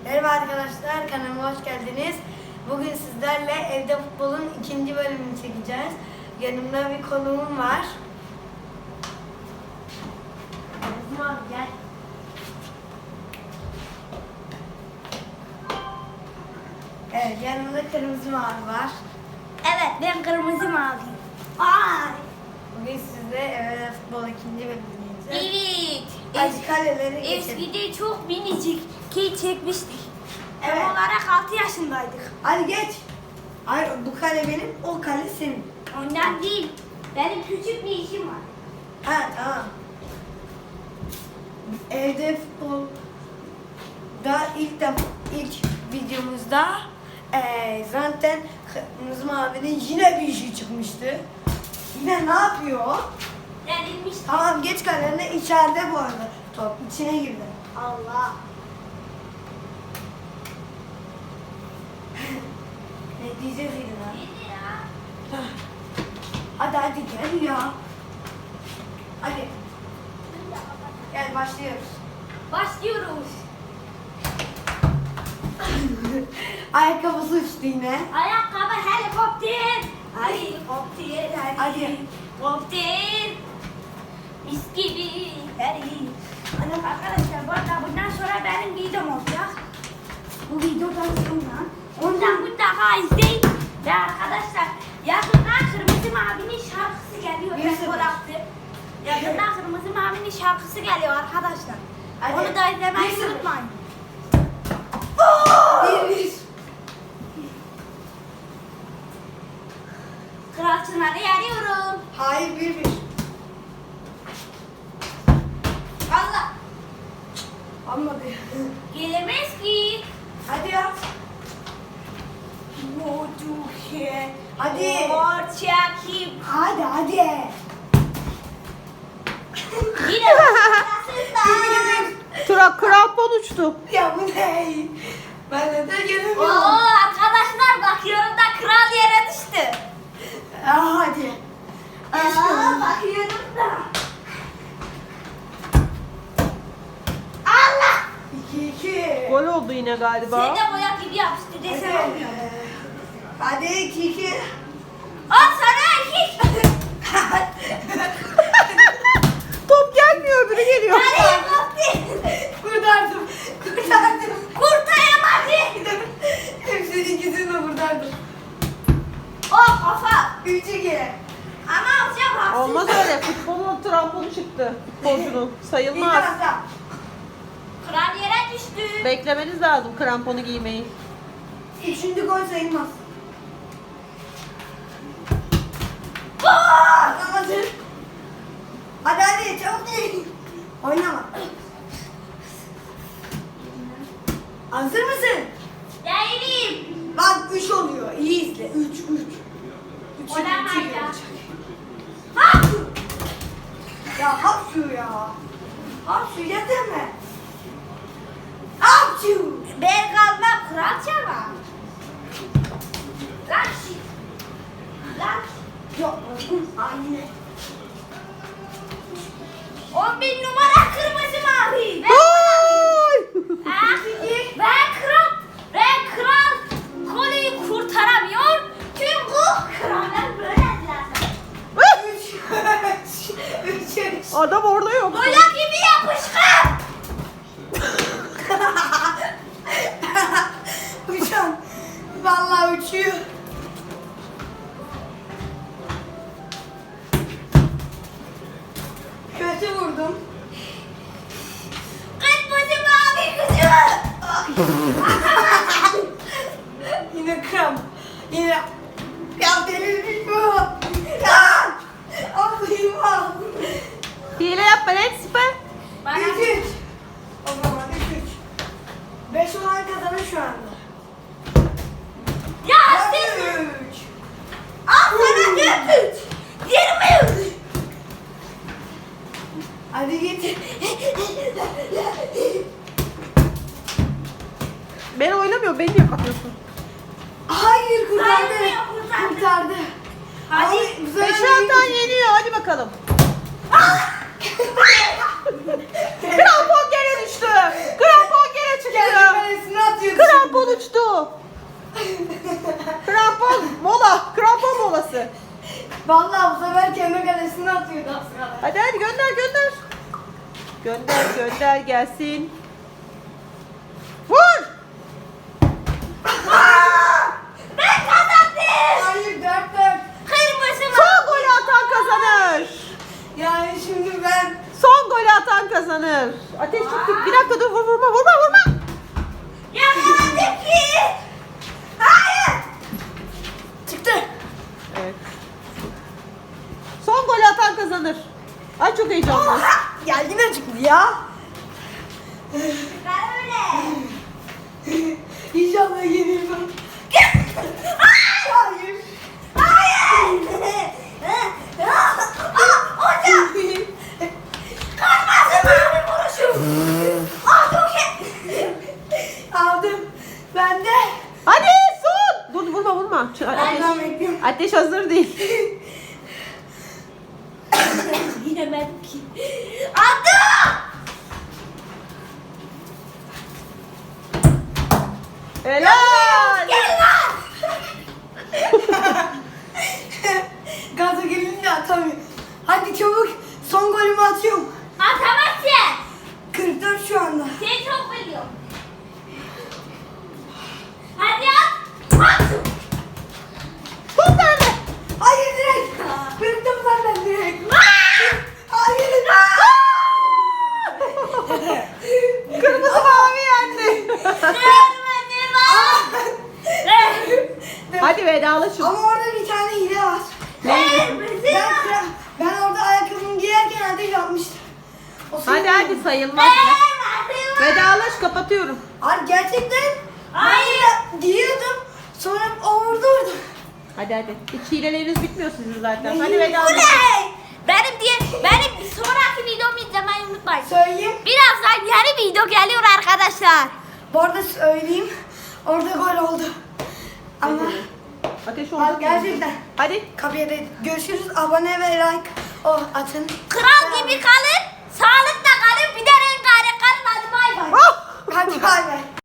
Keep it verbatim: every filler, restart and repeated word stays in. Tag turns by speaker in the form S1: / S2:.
S1: Merhaba arkadaşlar, kanalıma hoş geldiniz. Bugün sizlerle evde futbolun ikinci bölümünü çekeceğiz. Yanımda bir konuğum var. Kızım abi gel. Evet, yanımda kırmızı mavi var.
S2: Evet, ben kırmızı maviyim. Ay.
S1: Bugün sizle evde futbol ikinci bölümünü çekeceğiz.
S2: Evet.
S1: Hadi kaleleri geçelim.
S2: Eskide çok minicik ki çekmiştik.
S1: Evet.
S2: Tam olarak altı yaşındaydık.
S1: Hadi geç. Hayır, bu kale benim, o kale senin.
S2: Ondan değil. Benim küçük bir işim var.
S1: Ha tamam. Evde futbol da ilk de ilk videomuzda eee zaten Kırmızı Mavi'nin yine bir işi çıkmıştı. Yine ne yapıyor?
S2: Denilmiş.
S1: Tamam geç kalerine, içeride bu arada top içine girdi.
S2: Allah.
S1: Ne diyeceğiz yine lan?
S2: Neydi ya?
S1: Hadi hadi gel ya. Hadi gel başlıyoruz.
S2: Başlıyoruz.
S1: Ayakkabısı uçtu yine.
S2: Ayakkabı helikopter. Helikopter.
S1: Hadi.
S2: Helikopter. Mis gibi. Hadi. Hanım arkadaşlar bu arada bundan sonra benim videom olacak. Bu videodan sonra ondan mutlaka izleyin. Ve arkadaşlar yakında Kırmızı Mavi'nin şarkısı geliyor.
S1: Bir
S2: Ben
S1: sıfır.
S2: gol attım. Yakında Kırmızı Mavi'nin şarkısı geliyor arkadaşlar.
S1: Hadi.
S2: Onu da izlemeyi
S1: Bir sıfır.
S2: unutmayın.
S1: Bir bir.
S2: Kral Çınar'ı yeniyorum.
S1: Hayır bir bir.
S2: Allah.
S1: Olmadı.
S2: Gelemez ki.
S1: Hadi ya.
S2: Moduhe.
S1: Hadi.
S2: Orçakim.
S1: Hadi hadi.
S2: Yine başlasın.
S3: Tura krampon uçtu.
S1: Ya bu ne? Ben de de
S2: Oo
S1: gelemiyorum.
S2: arkadaşlar bakıyorum da kral yere düştü.
S1: Aa, hadi.
S2: Aa bakıyorum da. Allah.
S1: İki iki.
S3: Gol oldu yine galiba.
S2: Sen de boya gibi yapıştı desem
S1: Hadi.
S2: olmuyor.
S1: Hadi iki iki.
S2: Al sana iki.
S3: Top gelmiyor, öbürü geliyor.
S2: Nereye baktın?
S1: Kurtardım. Kurtardım.
S2: Kurtaramadı.
S1: Hepsini ikisini de kurtardım.
S2: Oh kafa.
S1: Üç iki.
S2: Ama alacağım haksız.
S3: Olmaz öyle. Futbolun tramponu çıktı. Futbolcunun.
S1: Bir
S3: Sayılmaz.
S1: tarafta.
S2: Kral yere düştü.
S3: Beklemeniz lazım kramponu giymeyi.
S1: Üçüncü gol sayılmaz.
S2: Gol.
S1: Anlamadın. Hadi hadi çabuk değil. Oynama. Hazır mısın?
S2: Değilim.
S1: Bak üç oluyor. İyi izle. Üç üç. Üç
S2: Oynama
S1: iki
S2: ya.
S1: olacak.
S2: Ha.
S1: Ya hapşu ya. Hapşu yeter mi? Hapşu.
S2: Ben kalmam kral çaba. Lan şi. Lan.
S1: Yok. Aynen.
S2: On bin numara kırmızı mavi. Ben
S3: Gol!
S2: Ah, ben kral. Ben kral. Koleyi kurtaramıyor. Çünkü krallar böylediler.
S1: Üç. Üç. Üç.
S3: Adam orada yok.
S2: Boya gibi yapışkan.
S1: Uçan. Vallahi uçuyor. Kötü vurdum.
S2: Kırmızı mavi kızı.
S1: Yine kram. Yine. Ya delirmiş bu. Ya. Allah'ım al.
S3: Hile yapma lan süper.
S2: Bana
S1: Üç üç. O zaman üç üç. Beş olan kazanır şu anda.
S2: ya
S1: Dört
S2: siz.
S1: üç.
S2: Al sana dört üç. Yirmi üç.
S1: Hadi git.
S3: Ben oynamıyorum, beni niye kapıyorsun?
S1: Hayır kurtardı.
S2: Saymıyor, kurtardı.
S1: Kurtardı.
S2: Hadi.
S1: Ay, bu sefer
S3: Beş
S1: değil.
S3: alttan yeniyor, hadi bakalım. Krampon gene düştü. Krampon gene çıktı.
S1: Kendi kalesine atıyor. Vallahi bu sefer kendi kalesine atıyordu az kadar.
S3: Hadi hadi gönder gönder. Gönder gönder gelsin. Vur.
S2: Ben kazandım.
S1: Hayır dört dört.
S2: Kırmızı
S3: Son golü atan kazanır.
S1: Yani şimdi ben
S3: Son golü atan kazanır. Ateş çıktı. Bir dakika dur vur vurma vurma vurma.
S2: Yakaladım ki. Hayır.
S1: çıktı.
S3: Evet. Son golü atan kazanır. Ay çok heyecanlı.
S1: Oha! Ya yine çıktı ya.
S2: Ben öyle.
S1: İnşallah yenilmem. Hayır.
S2: Hayır. Aa, hocam. Kırmızı mavi vuruşum. Aa, çok iyi.
S1: Aldım. Ben de.
S3: Hadi son. Dur vurma vurma. Şu- Ateş,
S1: Ben bekliyorum.
S3: ateş hazır değil.
S2: Yemedim ki. Attım.
S3: Helal.
S2: Gel lan.
S1: Gaza gelince atamıyorum. Hadi çabuk. Son golümü atıyorum.
S2: Atamazsın.
S1: kırk dört şu anda.
S2: Seni çok biliyorum. Hadi at. At.
S3: Top nerede?
S1: Hayır direkt. Bıraktım zaten direkt. Hayır.
S3: Kırmızı mavi yendi.
S2: Görmedim ha.
S3: Hadi vedalaşın.
S1: Ama orada bir tane hile var.
S2: Kırmızı
S1: Ben,
S2: var.
S1: ben orada ayakkabımı giyerken ateş atmıştım. O
S3: Hadi
S1: sırada-
S3: hadi sayılmaz.
S2: Kırmızı var.
S3: Vedalaş kapatıyorum.
S1: Abi gerçekten
S2: Hayır.
S1: ben de giyiyordum. Sonra o vurdu orada.
S3: Hadi hadi. Hiç hileleriniz bitmiyor sizin zaten. Hadi vedalaş.
S2: Oley! Benim diye benim sonraki videomu izlemeyi unutmayın.
S1: Söyleyeyim.
S2: Birazdan yeni video geliyor arkadaşlar.
S1: Bu arada söyleyeyim. Orada gol oldu. Ama
S3: Ateş
S1: Abi
S3: oldu.
S1: gerçekten.
S3: Hadi.
S1: kapıya değil. Görüşürüz. Abone ve like. Oh atın.
S2: Kral gibi kalın, sağlıkla kalın, bir de rengarenk kalın. Hadi bay bay.
S3: Oh!
S1: Hadi bay bay.